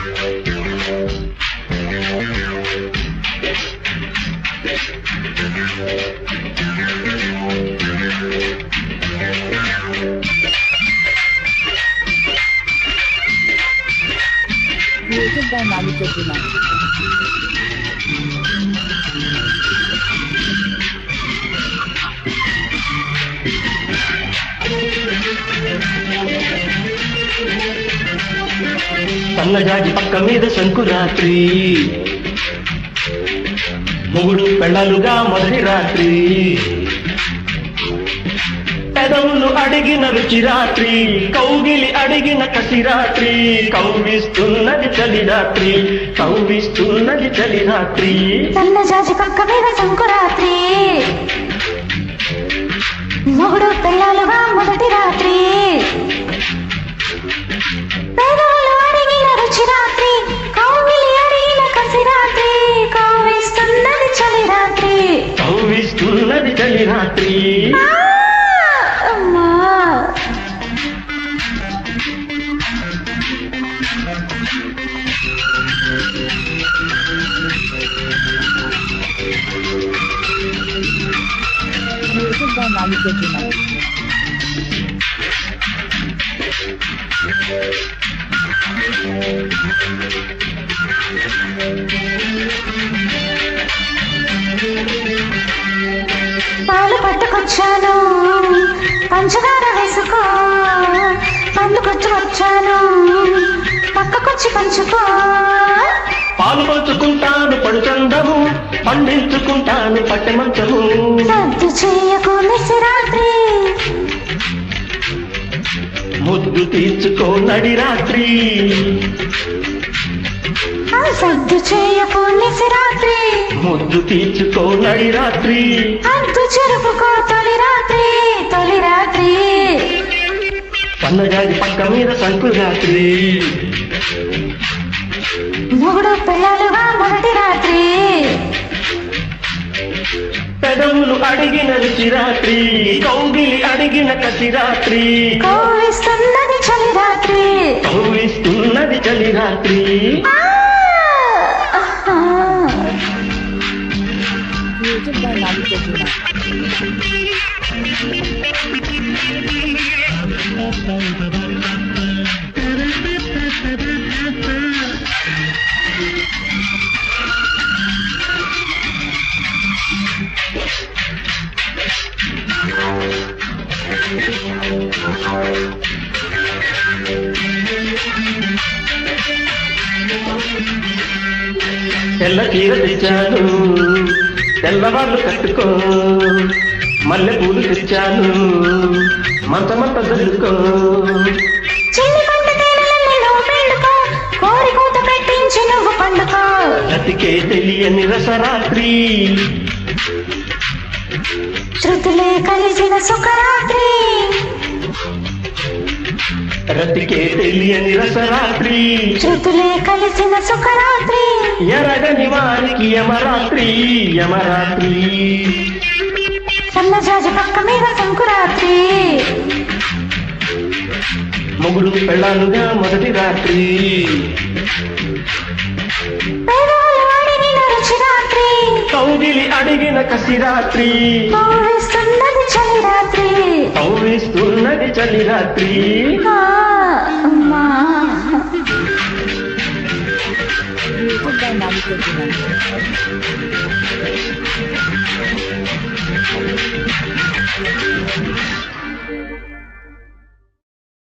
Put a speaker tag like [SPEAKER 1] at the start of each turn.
[SPEAKER 1] Music by Malik Ujima.
[SPEAKER 2] సన్నజాజి పక్క మీద సంకురాత్రి మొగుడు పెళ్ళాలుగా మొదటి రాత్రి పెదవులు అడిగిన రుచి రాత్రి కౌగిలి అడిగిన కసి రాత్రి కౌగిస్తున్నది చలి రాత్రి కౌగిస్తున్నది చలి రాత్రి
[SPEAKER 3] సన్నజాజి పక్క మీద సంకురాత్రి మొగుడు పెళ్ళాలుగా మొదటి రాత్రి పెదవులు అడిగిన రుచి రాత్రి కౌగిలి అడిగిన కసి రాత్రి కౌగిస్తున్నది చలి రాత్రి
[SPEAKER 2] కౌగిస్తున్నది చలి రాత్రి
[SPEAKER 3] అమ్మా
[SPEAKER 1] Music by Malik Ujima.
[SPEAKER 3] పాలు పట్టుకొచ్చాను పంచదార వేసుకో పండుకొచ్చి వచ్చాను పక్కకొచ్చి పంచుకో
[SPEAKER 2] పాలు పంచుకుంటాను పడుచందము పండించుకుంటాను పట్టె మంచము
[SPEAKER 3] సద్దు చేయకు నిశరాత్రి
[SPEAKER 2] ముద్దు తీర్చుకో నడి రాత్రి
[SPEAKER 3] సద్దు చేయకు నిశరాత్రి
[SPEAKER 2] ముద్దు తీర్చుకో నడి రాత్రి
[SPEAKER 3] అద్దు చెరుపుకో తొలి రాత్రి తొలి రాత్రి
[SPEAKER 2] సన్నజాజి పక్క మీద సంకురాత్రి
[SPEAKER 3] మొగుడు పిల్లలుగా మొదటి రాత్రి
[SPEAKER 2] పెదవులు అడిగిన రుచి రాత్రి కౌగిలి అడిగిన కసి రాత్రి
[SPEAKER 3] కౌగిస్తున్నది చలి రాత్రి
[SPEAKER 2] కౌగిస్తున్నది చలి రాత్రి
[SPEAKER 1] Music by Malik Ujima.
[SPEAKER 2] తెల్ల చీర తెచ్చాను తెల్లవాళ్ళు కట్టుకో మల్లె పూలు తెచ్చాను మంచమంత జల్లుకో
[SPEAKER 3] చిన్ని పంట తేనెలన్నీ నువ్వు పిండుకో కోరి కూత పెట్టించి నువ్వు పండుకో
[SPEAKER 2] బ్రతికే తెలియని రసరాత్రి
[SPEAKER 3] శృతులే కలిసిన సుఖరాత్రి
[SPEAKER 2] బ్రతికే తెలియని రసరాత్రి
[SPEAKER 3] శృతులే కలిసిన సుఖరాత్రి
[SPEAKER 2] ఎరగని వారికి యమరాత్రి యమరాత్రి
[SPEAKER 3] సన్నజాజి పక్క మీద సంకురాత్రి
[SPEAKER 2] మొగుడు పెళ్ళాలుగా మొదటి రాత్రి
[SPEAKER 3] పెదవులు అడిగిన రుచి రాత్రి
[SPEAKER 2] కౌగిలి అడిగిన కసి రాత్రి
[SPEAKER 3] కౌగిస్తున్నది చలి రాత్రి
[SPEAKER 2] కౌగిస్తున్నది చలి రాత్రి
[SPEAKER 3] అమ్మా
[SPEAKER 1] Music by Malik Ujima.